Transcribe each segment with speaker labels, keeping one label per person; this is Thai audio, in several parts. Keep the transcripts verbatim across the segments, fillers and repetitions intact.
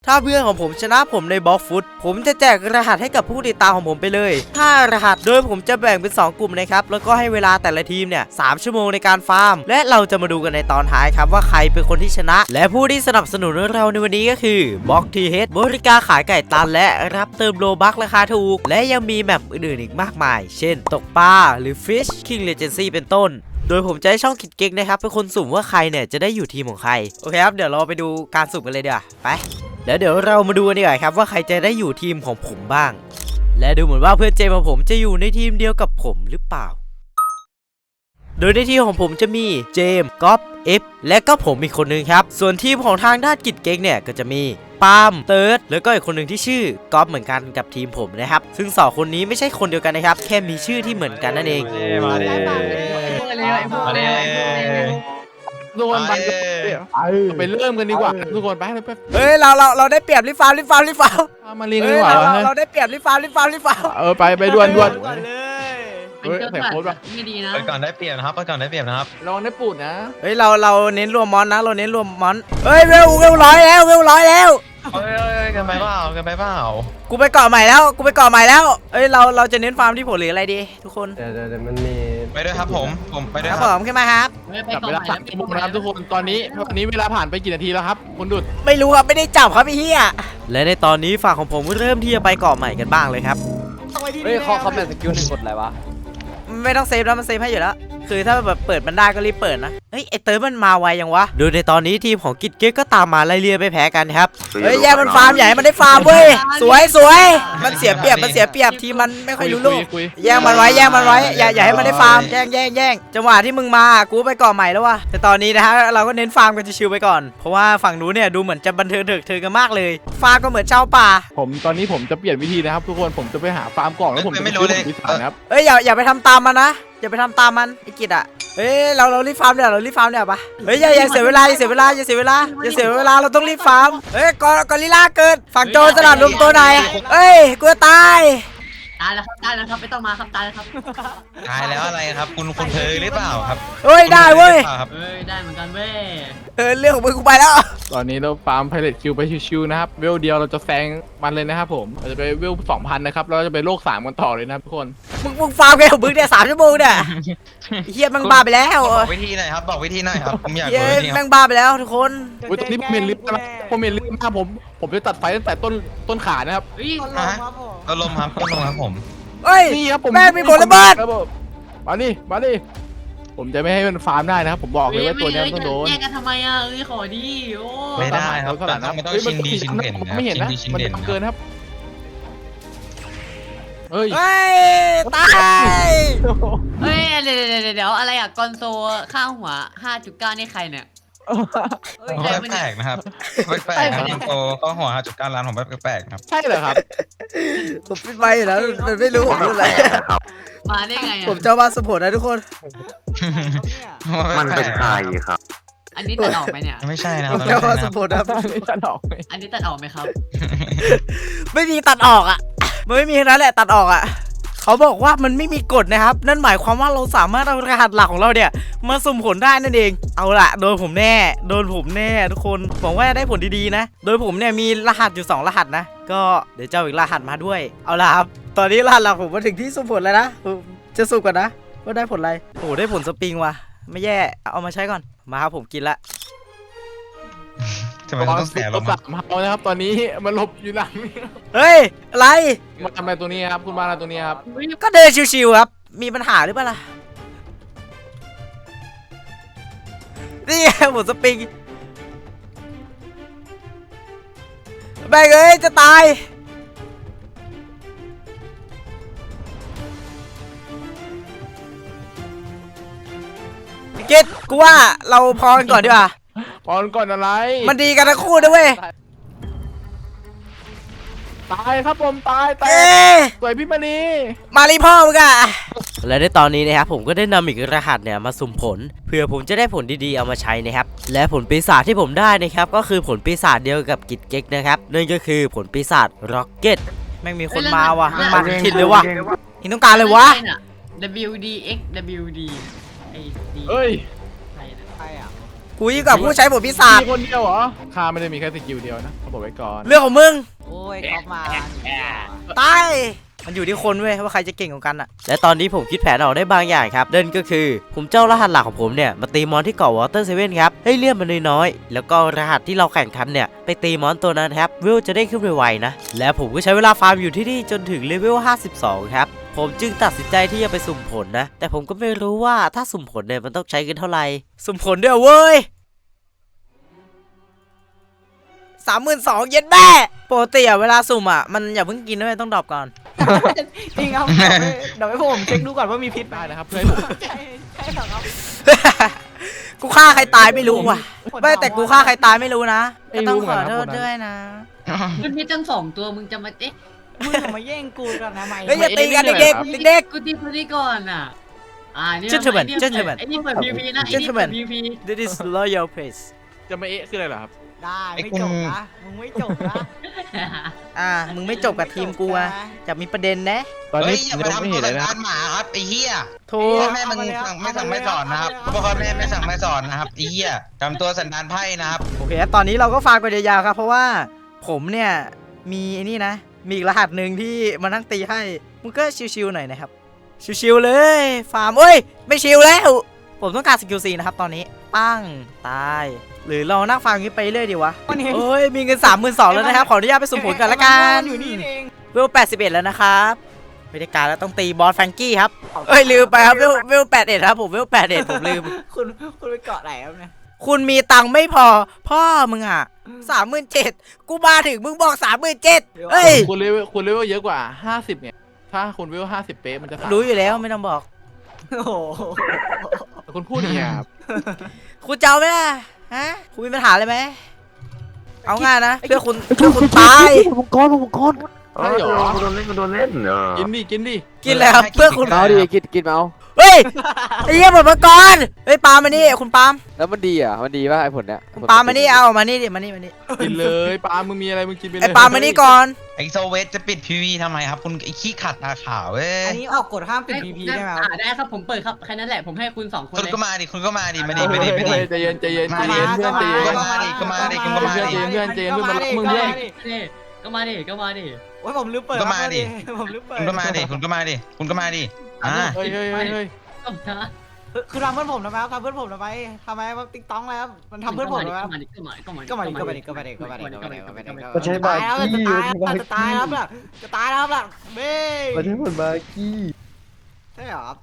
Speaker 1: ถ้าเพื่อนของผมชนะผมในบล็อกฟุตผมจะแจกรหัสให้กับผู้ติดตามของผมไปเลยห้ารหัสโดยผมจะแบ่งเป็นสองกลุ่มนะครับแล้วก็ให้เวลาแต่ละทีมเนี่ยสามชั่วโมงในการฟาร์มและเราจะมาดูกันในตอนท้ายครับว่าใครเป็นคนที่ชนะและผู้ที่สนับสนุนเราในวันนี้ก็คือบล็อกทีเฮดบริการขายไก่ตันและรับเติมโลบัคราคาถูกและยังมีแมปอื่นๆอีกมากมายเช่นตกปลาหรือ Fish King Legacy เป็นต้นโดยผมจะให้ช่องคิดเก๊กนะครับเป็นคนสุ่มว่าใครเนี่ยจะได้อยู่ทีมของใครโอเคครับเดี๋ยวเราไปดูการสุ่มกันเลยเดี๋ยวไปแล้วเดี๋ยวเรามาดูกันดีกว่าครับว่าใครจะได้อยู่ทีมของผมบ้างและดูเหมือนว่าเพื่อนเจมของผมจะอยู่ในทีมเดียวกับผมหรือเปล่าโดยในทีมของผมจะมีเจมก๊อฟเอฟและก็ผมอีกคนนึงครับส่วนทีมของทางด้านกิจเก๊กเนี่ยก็จะมีปาล์มเติร์ดแล้วก็อีกคนหนึ่งที่ชื่อก๊อฟเหมือนกันกับทีมผมนะครับซึ่งสองคนนี้ไม่ใช่คนเดียวกันนะครับแค่มีชื่อที่เหมือนกันนั่นเอง
Speaker 2: มาดิมาดิทุกคนไปไปเริ่มกันดีกว่าทุกคนไปไป
Speaker 1: เฮ้ยเราเราเราได้เปรียบรีฟาร์มรีฟาร์มรีฟาร์ม
Speaker 2: มาเรียนดีกว่า
Speaker 1: เราเราได้เปรียบรีฟาร์มรีฟาร์มรีฟาร์ม
Speaker 2: เออไปไปด่วนด่วน
Speaker 3: เฮ้ยใส่โค้ดป่ะไม่ดีนะ
Speaker 4: ไปก่อนได้เปรียบนะครับไปก่อนได้เปรียบนะครับ
Speaker 2: ลองได้ปูดนะ
Speaker 1: เฮ้ยเราเราเน้นรวมมอนนะเราเน้นรวมมอนเฮ้ยเวลเวลร้อยแล้วเวลร้อยแล้ว
Speaker 4: เฮ้ยกันไปเปล่ากันไปเปล่า
Speaker 1: กูไปเกาะใหม่แล้วกูไปเกาะใหม่แล้วเอ้ยเราเราจะเน้นฟาร์มที่ผลหรืออะไรดีทุกคน
Speaker 5: เดี๋ยวเดี๋ยวมันมี
Speaker 4: ไปด้วยครับผมผมไปด้วย
Speaker 1: ค
Speaker 4: ครั
Speaker 1: บผมขึ้นมาครับ
Speaker 2: จับเวลาสามชั่วโมงนะครับทุกคนตอนนี้ตอนนี้เวลาผ่านไปกี่นาทีแล้วครับคุณดุด
Speaker 1: ไม่รู้ครับไม่ได้จับครับพี่เฮียและในตอนนี้ฝั่งของผมเริ่มที่จะไปเกาะใหม่กันบ้างเลยครับ
Speaker 5: เฮ้ยเขาเขาแบบสกิลหนึ่งกดอะไรวะ
Speaker 1: ไม่ต้องเซฟแล้วมันเซฟให้อยู่แล้วคือถ้าแบบเปิดมันได้ก็รีบเปิดนะเฮ้ยไอเติร์มันมาไวยังวะโดยในตอนนี้ทีมของกิจเก๊กก็ตามมาไล่เลี่ยไปแพ้กันครับเฮ้ยแย่มันฟาร์มใหญ่มันได้ฟาร์มเว้ยสวยสวยมันเสียเปรียบมันเสียเปรียบทีมันไม่ค่อยรู้ลูกแย่งมันไว้แย่งมันไว้อย่าอย่าให้มันได้ฟาร์มแย่งแย่งแย่งจังหวะที่มึงมากูไปเกาะใหม่แล้ววะแต่ตอนนี้นะฮะเราก็เน้นฟาร์มกันชิวๆไปก่อนเพราะว่าฝั่งนู้นเนี่ยดูเหมือนจะบันเทิงเถิดเทิงกันมากเลยฟาร์มก็เหมือนเช่าป่า
Speaker 2: ผมตอนนี้ผมจะเปลี่ยนวิธีนะครับทุกคนผมจะไปหาฟาร์มกล่องแล้วผมจะไม่รู้เลยครับ
Speaker 1: เอ้ยอย่าอย่าไปทำตามมันนะอย่าไปทำตามมันไอ้กิจอ่ะเฮ้ยเราเรารีบฟาร์มเดี๋ยวเรารีบฟาร์มเดี๋ยวปะเฮ้ยอย่าอย่าเสียเวลาอย่าเสียเวลาอย่าเสียเวลาอย่าเสียเวลาเราต้องรีบฟาร์มเฮ้ยกอกอริลลาเกิดฝั่งโจรสลัดรวมตัวไหนเฮ้ยกลัวตาย
Speaker 3: ตายแล้วครับตายแล้วครับไม่ต้องมาครับตายแล้วครับ
Speaker 4: ตายแล้วอะไรครับคุณคุณเคยหรือเปล่าครับ
Speaker 1: เฮ้ยได้เว้ย
Speaker 3: เฮ้ยได้เหมือนกันเว้ย
Speaker 1: เออเรื่องของมึงกูไปแล้ว
Speaker 2: ตอนนี้เราฟาร์มไพเรตคิวไปชิวๆนะครับเวลเดียวเราจะแซงมันเลยนะครับผมเราจะไปเวลสองพันนะครับเราจะไปโลกสามกันต่อเลยนะทุกคน
Speaker 1: มึงมึงฟาร์มแค่ของมึงเนี่ยสามชั่วโมงเนี่ยเฮียมึงบ้าไปแล้ว
Speaker 4: บอกวิธีหน่อยครับบอกวิธีหน่อยครับผมอยากรู้
Speaker 1: นี่แม่งบ้าไปแล้วทุกคน
Speaker 2: อุ้ยตอนนี้ผมเห็นลิฟต์นะผมเห็นลิฟต์นะผมผมจะตัดไฟตั้งแต่ต้นต้นขานะครับ
Speaker 4: ต้นลมครับต้นลมครับผม
Speaker 1: เฮ้ย
Speaker 2: นี่ครับผม
Speaker 1: แม่มีผลระเบิด
Speaker 2: มาดิมาดิผมจะไม่ให้มันฟาร์มได้นะครับผมบอกเลยว่าตัวนี้ต้องโดน
Speaker 3: แย่งกันทำไมอ่ะเอ้ยขอดีโอ้
Speaker 4: ไม่ได้ครับขนาดนั้นมันต้องชิงดีชิงเด่นนะ
Speaker 2: ไม่เห็นนะมันเกินครับเฮ้ย
Speaker 1: ตาย
Speaker 3: เฮ้ยเดี๋ยวเดี๋ยวเดี๋ยวอะไรอ่ะกอนโซข้าวหัว ห้าจุดเก้า นี่ใครเนี่ย
Speaker 4: แปลกนะครับแปลกครับโตก็หัวห้าจุดเก้าล้านผมแปลกครับ
Speaker 2: ใช่เหรอครับ
Speaker 1: ผมปิดไฟแล้วมันไม่รู้ผมรู้อะไร
Speaker 3: มาได้ไง
Speaker 1: ผมเจ้าบ้านสปอร์ตนะทุกคน
Speaker 5: มันเป็นใครครับ
Speaker 3: อันนี้ตัดออกไหมเนี่ย
Speaker 4: ไม่ใช่นะ
Speaker 1: ผมเจ้าบ้านสปอร์ตนะ
Speaker 2: ตัดออกไหม
Speaker 3: อันนี้ตัดออกไหมครับ
Speaker 1: ไม่มีตัดออกอ่ะมันไม่มีนั้นแหละตัดออกอ่ะเขาบอกว่ามันไม่มีกฎนะครับนั่นหมายความว่าเราสามารถเอารหัสหลักของเราเนี่ยมาสุ่มผลได้นั่นเองเอาละโดนผมแน่โดนผมแน่ทุกคนหวังว่าจะได้ผลดีๆนะโดยผมเนี่ยมีรหัสอยู่สองรหัสนะก็เดี๋ยวเจ้าอีกรหัสมาด้วยเอาละครับตอนนี้รหัสหลักผมมาถึงที่สุ่มผลแล้วนะจะสุ่มก่อนนะว่าได้ผลอะไรโอ้ได้ผลสปริงว่ะไม่แย่เอามาใช้ก่อนมาครับผมกินละ
Speaker 4: ทำไมต้องแสบ
Speaker 2: เราสามเฮานะครับตอนนี้มันหลบอยู่หลัง
Speaker 1: เฮ้ยอะไร
Speaker 2: มาทำอะไรตัวนี้ครับคุณมาอะไรตัวนี้ครับ
Speaker 1: ก็เดินชิวๆครับมีปัญหาหรือเปล่าล่ะนี่หมดสปริงแบงเอ้ยจะตายเกตกูว่าเราพอกันก่อนดีกว่า
Speaker 2: พอก่อนอะไร
Speaker 1: มันดีกันทั้งคู่ด้วยเว้ย
Speaker 2: ตายครับผมตายตายสวยพี่มานี
Speaker 1: มาลีพ่อมึงอะและในตอนนี้นะครับผมก็ได้นำอีกรหัสเนี่ยมาสุ่มผลเพื่อผมจะได้ผลดีๆเอามาใช้นะครับและผลปีศาจที่ผมได้นะครับก็คือผลปีศาจเดียวกับกิจเก๊กนะครับนั่นก็คือผลปีศาจร็อกเก็ตแม่งมีคนมาว่ะมาทิดเลยว่ะนี่ต้องการเลยวะ
Speaker 3: W D X W D ไอ้ดี
Speaker 2: เฮ้ย
Speaker 1: กูกูยิ่งกว่าผู้ใช้บทพิศาจ
Speaker 2: มีคนเดียวเหรอข้าไม่ได้มีแค่สกิลเดียวนะเขาบอกไว้ก่อน
Speaker 1: เรื่องของมึง
Speaker 6: โอ้ยก๊อฟมา
Speaker 1: ตายมันอยู่ที่คนเว้ยว่าใครจะเก่งกว่ากันอะและตอนนี้ผมคิดแผนออกได้บางอย่างครับนั่นก็คือผมเจ้ารหัสหลักของผมเนี่ยมาตีมอนที่เกาะวอเตอร์เซเว่นครับให้เลื่อนมันน้อยๆแล้วก็รหัสที่เราแข่งขันเนี่ยไปตีมอนตัวนั้นครับเวลจะได้ขึ้นไวๆนะและผมก็ใช้เวลาฟาร์มอยู่ที่นี่จนถึงเลเวลห้าสิบสองครับผมจึงตัดสินใจที่จะไปสุ่มผลนะแต่ผมก็ไม่รู้ว่าถ้าสุ่มผลเนี่ยมันต้องใช้เงินเท่าไหร่สุ่มผลด้วยเว้ยสามหมื่นสองเย็นแม่ปกติอะเวลาสุ่มอะมันอย่าเพิ่งกินด้วยต้องดรอปก่อน
Speaker 6: จริงครับเดี๋ยวให้ผมเช็คดูก่อนว่ามีพิษไหม
Speaker 2: ได้นะครับเพื่อให้ผม
Speaker 6: ใช่ใช่เหรอครับ
Speaker 1: กูฆ่าใครตายไม่รู้ว่ะไม่แต่กูฆ่าใครตายไม่รู้นะก็ต้องขอโทษด้วยนะ
Speaker 3: มันมีตั้งสองตัวมึงจะมาเอ๊ะ
Speaker 6: มึงอย่ามาแย่งกูกันนะไม่
Speaker 1: เฮ้ยอย่าตีกันเด็กๆเด็ก
Speaker 3: กูตีกูตีก่อนอ่ะอ่านี่
Speaker 1: Gentlemen
Speaker 3: ไอ้นี่
Speaker 1: Gentlemen
Speaker 3: ไอ้นี่เปิดพีพีนะไอ้นี่เปิดพีพี
Speaker 1: ๆ This is loyal place
Speaker 2: จะมาเอ๊ะคืออะไรเหรอครับ
Speaker 6: ได้ไม่จบนะมึงไม่จบนะ
Speaker 1: อ่ามึงไม่จบกับทีมกูอะจะมีประเด็นนะ
Speaker 2: ตอน
Speaker 4: เฮ้
Speaker 2: นี้
Speaker 4: ยอย่า
Speaker 2: ยัง
Speaker 4: มา
Speaker 2: ไม่
Speaker 4: ทำ
Speaker 2: เห็
Speaker 4: ตัวน
Speaker 2: เลย
Speaker 4: สัน
Speaker 2: นะ
Speaker 4: ดานหมาครับไอ้เหี้ย
Speaker 1: โทร
Speaker 4: พ่อแม่มึงสั่งไม่สั่งไม่สอนนะครับพ่อแม่ไม่สั่งไม่สอนนะครับไอ้เหี้ยทำตัวสันดานไพ่นะครับ
Speaker 1: โอเคตอนนี้เราก็ฟาร์มกันยาวๆครับเพราะว่าผมเนี่ยมีไอ้นี่นะมีอีกรหัสหนึ่งที่มานั่งตีให้มึงก็ชิวๆหน่อยนะครับชิวๆเลยฟาร์มเอ้ยไม่ชิวแล้วผมต้องการสกิลซีนะครับตอนนี้ปั้งตายหรือเรานั่งฟังอย่างนี้ไปเรื่อยดีวะ
Speaker 6: วันนี้
Speaker 1: โอ้ยมีเงินสามหมื่นสองแล้วนะครับขออนุญาตไปสุ่มผลกันละกัน
Speaker 6: อยู่นี่เอง
Speaker 1: เวลแปดสิบเอ็ดแล้วนะครับไม่ได้การแล้วต้องตีบอสแฟรงกี้ครับเอ้ยลืมไปครับเวลเวลแปดเอ็ดครับผมเวลแปดเอ็ดผมลืม
Speaker 6: คุณคุณไปเกาะไหนครับเนี่ย
Speaker 1: คุณมีตังค์ไม่พอ พ่อมึงอ่ะสามหมื่นเจ็ดกูมาถึงมึงบอกสามหมื่นเจ็ดเฮ้ย
Speaker 2: คุณเลเวลคุณเลเวลเยอะกว่าห้าสิบเนี่ยถ้าคุณเลเวลห้าสิบเป๊ะมันจะสาม
Speaker 1: รู้อยู่แล้วไม่ต้องบอก
Speaker 6: โอ้โห
Speaker 2: แต่คุณพูดอย่างเงี้ยครับ
Speaker 1: คุณจะเอาไหมล่ะฮะคุณมีปัญหาอะไรไหมเอาง่ายนะเพื่อคุณเพื่อคุณตาย
Speaker 5: มังกรมังกร
Speaker 2: ใช่เหรอ
Speaker 5: โดนเล่นโดนเล่นเออ
Speaker 2: กินดิกินดิ
Speaker 1: กินแล้วครับเพื่อคุณ
Speaker 5: เอาดิกินกินเอา
Speaker 1: เฮ้ยไอ้เหี้ยหมดมาก่อนเฮ้ยปาล์มมานี่คุณปาล์ม
Speaker 5: แล้วมันดีอ่ะมันดีป่ะไอ้ผลเนี้ย
Speaker 1: คุณปาล์มมานี่เอามานี่ดิมานี่มานี่
Speaker 2: กินเลยปาล์มมึงมีอะไรมึงกินไปเลย
Speaker 1: ไอ้ปาล์มมานี่ก่อน
Speaker 4: ไอ้โซเวตจะปิดพีวีทำไมครับคุณไอ้ขี้ขัดตาขาวเว้ย
Speaker 6: อันนี้ออกกฎห้ามปิดพีพีได้ไหมครับ
Speaker 3: อ่าได้ครับผมเปิดครับแค่นั้นแหละผมให้คุณสองคน
Speaker 4: คุณ
Speaker 3: เลย
Speaker 4: ก็มาดิคุณก็มาดิมาดิมาดิมาดิ
Speaker 2: ใจเย็นใจเย็นใจเย็นเพื่อนใจเย็น
Speaker 4: ก็มาดิก็มาดิก็มาดิ
Speaker 2: เพื่อนใจเย็นเพื่อนใจเย็นเพื่อนมารับมึงเพื่อน
Speaker 3: ก็มาดิก็มาดิ
Speaker 6: โอ้ยผมลืมเปิด
Speaker 4: ก็มาดิ
Speaker 6: ผมลืมเปิด
Speaker 4: คุณก็มาดิคุณก็มาดิคุณก็มาดิอ่า
Speaker 2: เฮ้ยเฮ้ยเฮ้ยเฮ้ย
Speaker 3: ก็มา
Speaker 6: คือทำเพื่อนผมทำไมครับทำเพื่อนผมทำไมทำไมว่าติ๊กต้องแล้วมันทำเพื่อนผมทำไมครับ
Speaker 3: ก็มาดิก็มาดิ
Speaker 6: ก็มาดิก็มาดิก็มาดิก็มาดิก็มาดิก็มาดิก็มาดิ
Speaker 5: มันใช้บา
Speaker 6: ตายแล้ว
Speaker 5: กี้
Speaker 6: จะตายแล้วจะตายแล้วล่ะจะตายแล้วล่ะเบ้
Speaker 5: มันใช้ผลบากี้
Speaker 6: ใช่เหรอครับ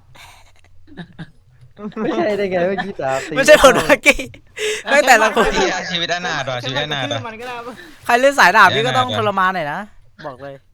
Speaker 5: ไม่ใช่ได้ไงเมื่อกี้ตาตี
Speaker 1: ไม่ใช่ผลเมื่อกี้ไม่แต่ละคน
Speaker 4: เหี้ยชีวิตอนาถว่ะชีวิตอนาถว่ะ
Speaker 6: มันก็ได้
Speaker 1: ใครเล่นสายดาบนี่ก็ต้องทรมานหน่อยนะบอกเลย